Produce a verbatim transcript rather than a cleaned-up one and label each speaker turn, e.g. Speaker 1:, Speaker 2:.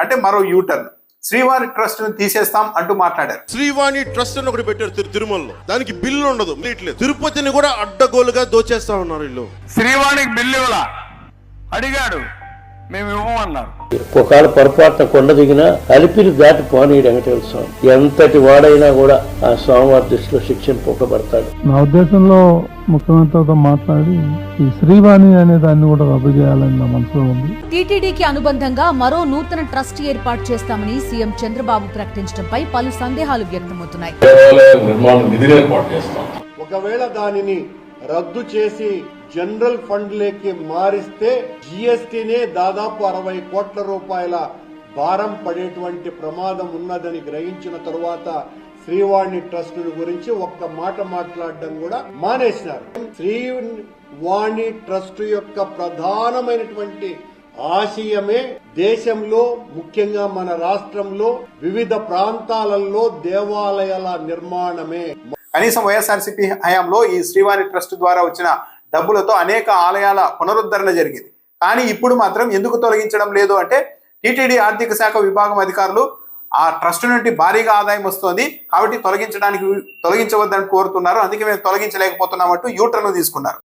Speaker 1: అంటే మరో U turn. Srivani trust ను తీసేస్తాం అంటూ మాట్లాడారు.
Speaker 2: శ్రీవాణి ట్రస్ట్ అని ఒకటి పెట్టారు తిరు తిరుమలలో, దానికి బిల్లు ఉండదు, లేదు. తిరుపతిని కూడా అడ్డగోలుగా దోచేస్తా ఉన్నారు వీళ్ళు.
Speaker 3: శ్రీవాణికి బిల్లు ఇవ్వలా, అడిగాడు, మేము ఇవ్వమన్నారు.
Speaker 4: ఒకవేళ పొరపాటున కొండ దిగినా అలిపిరి దాటి పోనీ వెంకటేశ్వర స్వామి ఎంతటి వాడైనా కూడా ఆ స్వామివారి దృష్టిలో శిక్షణ పొక్కబడతాడు.
Speaker 5: నా ఉద్దేశంలో ముఖ్యమంత్రితో మాట్లాడి ఈ శ్రీవాణి అనే దాన్ని కూడా రద్దు చేయాలని నా మనసులో ఉంది.
Speaker 6: టీటీడీకి అనుబంధంగా మరో నూతన ట్రస్ట్ ఏర్పాటు చేస్తామని సీఎం చంద్రబాబు ప్రకటించడంపై పలు సందేహాలు వ్యక్తమవుతున్నాయి.
Speaker 7: ఒకవేళ దానిని రద్దు చేసి జనరల్ ఫండ్ లేకి మారిస్తే జిఎస్టీనే దాదాపు అరవై కోట్ల రూపాయల భారం పడేటువంటి ప్రమాదం ఉన్నదని గ్రహించిన తరువాత శ్రీవాణి ట్రస్ట్ గురించి ఒక్క మాట మాట్లాడడం కూడా మానేసినారు. శ్రీవాణి ట్రస్ట్ యొక్క ప్రధానమైనటువంటి ఆశయమే దేశంలో, ముఖ్యంగా మన రాష్ట్రంలో వివిధ ప్రాంతాలలో దేవాలయాల నిర్మాణమే.
Speaker 1: కనీసం వైఎస్ఆర్సీపీ హయాంలో ఈ శ్రీవాణి ట్రస్ట్ ద్వారా వచ్చిన డబ్బులతో అనేక ఆలయాల పునరుద్ధరణ జరిగింది. కానీ ఇప్పుడు మాత్రం ఎందుకు తొలగించడం లేదు అంటే టీటీడీ ఆర్థిక శాఖ విభాగం అధికారులు ఆ ట్రస్ట్ నుండి భారీగా ఆదాయం వస్తోంది కాబట్టి తొలగించడానికి తొలగించవద్దని కోరుతున్నారు. అందుకే మేము తొలగించలేకపోతున్నామంటూ యూటర్న్ తీసుకున్నారు.